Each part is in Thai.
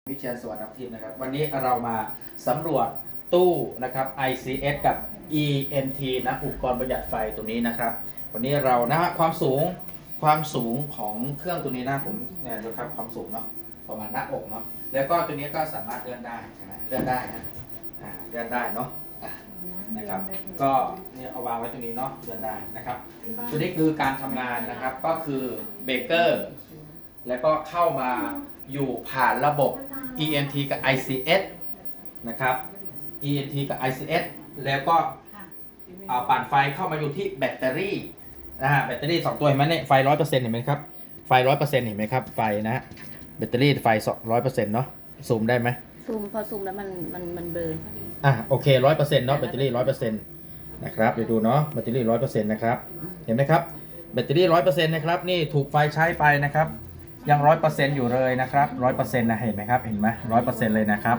วิเชียรสวัสดิ์ทิพย์นะครับวันนี้เรามาสำรวจตู้นะครับ ICS กับ ENT นะอุปกรณ์ประหยัดไฟตัวนี้นะครับวันนี้เรานะฮะความสูงของเครื่องตัวนี้นะผมเนี่ยนะครับความสูงเนาะประมาณหน้าอกเนาะแล้วก็ตัวนี้ก็สามารถเลื่อนได้ใช่ไหมเลื่อนได้นะเลื่อนได้เนาะนะครับก็เนี่ยเอาวางไว้ตรงนี้เนาะเลื่อนได้นะครับตัวนี้คือการทำงานนะครับก็คือเบรกเกอร์แล้วก็เข้ามาอยู่ผ่านระบบ ENT กับ ICS นะครับ ENT กับ ICS แล้วก็ปั่นไฟเข้ามาอยู่ที่แบตเตอรี่แบตเตอรี่2ตัวเห็นไหมเนี่ยไฟ 100% เห็นไหมครับไฟ 100% เห็นไหมครับไฟนะฮะแบตเตอรี่ไฟ 100% เนาะซูมได้ไหมซูมพอซูมแล้วมันเบลอโอเค 100% เนาะแบตเตอรี่ 100% นะครับเดี๋ยวดูเนาะแบตเตอรี่ 100% นะครับเห็นไหมครับแบตเตอรี่ 100% นะครับนี่ถูกไฟใช้ไปนะครับยัง 100% อยู่เลยนะครับ 100% นะเห็นไหมครับเห็นไหม 100% เลยนะครับ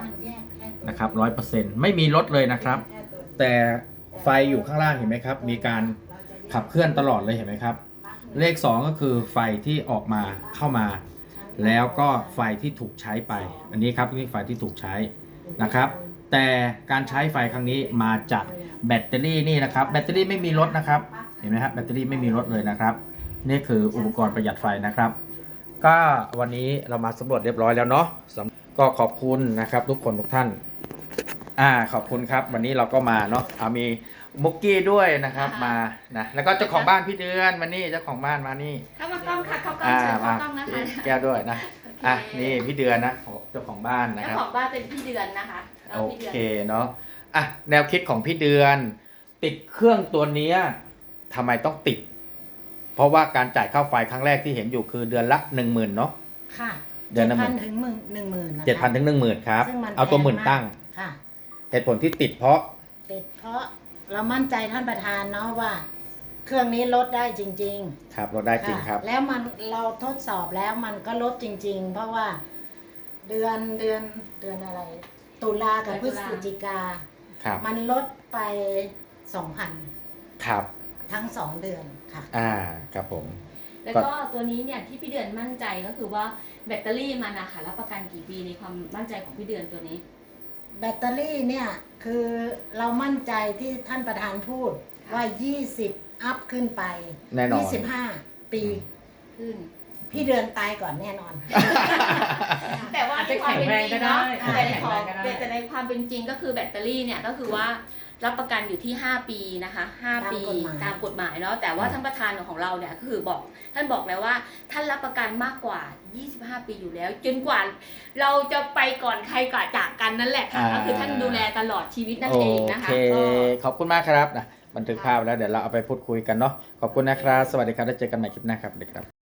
100% ไม่มีลดเลยนะครับแต่ไฟอยู่ข้างล่างเห็นไหมครับมีการขับเคลื่อนตลอดเลยเห็นไหมครับเลข2ก็คือไฟที่ออกมาเข้ามาแล้วก็ไฟที่ถูกใช้ไปอันนี้ครับนี่ไฟที่ถูกใช้นะครับแต่การใช้ไฟครั้งนี้มาจากแบตเตอรี่นี่นะครับแบตเตอรี่ไม่มีลดนะครับเห็นไหมครับแบตเตอรี่ไม่มีลดเลยนะครับนี่คืออุปกรณ์ประหยัดไฟนะครับก็วันนี้เรามาสำรวจเรียบร้อยแล้วเนาะก็ขอบคุณนะครับทุกคนทุกท่านขอบคุณครับวันนี้เราก็มาเนาะมีมุกกี้ด้วยนะครับมานะแล้วก็เจ้าของบ้านพี่เดือนมานี่เจ้าของบ้านมานี่เข้ามากล้องค่ะเข้ากล้องเชิญเข้ากล้องนะคะแก้วด้วยนะนี่พี่เดือนนะเจ้าของบ้านนะครับเจ้าของบ้านเป็นพี่เดือนนะคะโอเคเนาะแนวคิดของพี่เดือนติดเครื่องตัวนี้ทำไมต้องติดเพราะว่าการจ่ายค่าไฟครั้งแรกที่เห็นอยู่คือเดือนละ 10,000เนาะค่ะเดือนละ 7,000 ถึง 10,000นะคะ 7,000 ถึง 10,000ครับเอาตัวหมื่นตั้งค่ะเหตุผลที่ติดเพราะเรามั่นใจท่านประธานเนาะว่าเครื่องนี้ลดได้จริงๆครับลดได้จริงครับแล้วเราทดสอบแล้วมันก็ลดจริงๆเพราะว่าเดือนอะไรตุลากับพฤศจิกามันลดไป 2,000 ครับทั้ง2เดือนค่ะครับผมแล้วก็ตัวนี้เนี่ยที่พี่เดือนมั่นใจก็คือว่าแบตเตอรี่มันนะคะรับประกันกี่ปีในความมั่นใจของพี่เดือนตัวนี้แบตเตอรี่เนี่ยคือเรามั่นใจที่ท่านประธานพูดว่า20อัพขึ้นไปแน่นอน 25 ปีขึ้นพี่เดือนตายก่อนแน่นอนแต่ว่าในความเป็นจริงเนาะแต่ในความเป็นจริงก็คือแบตเตอรี่เนี่ยก็คือว่ารับประกันอยู่ที่5ปีนะคะ5ปีตามกฎหมายเนาะแต่ว่าท่านประธานของเราเนี่ยก็คือท่านบอกแล้วว่าท่านรับประกันมากกว่า25ปีอยู่แล้วจนกว่าเราจะไปก่อนใครก่อนจากกันนั่นแหละค่ะก็คือท่านดูแลตลอดชีวิตนั่นเองนะคะขอบคุณมากครับนะบันทึกภาพแล้วเดี๋ยวเราเอาไปพูดคุยกันเนาะขอบคุณนะครับสวัสดีครับแล้วเจอกันใหม่คลิปหน้าครับสวัสดีครับ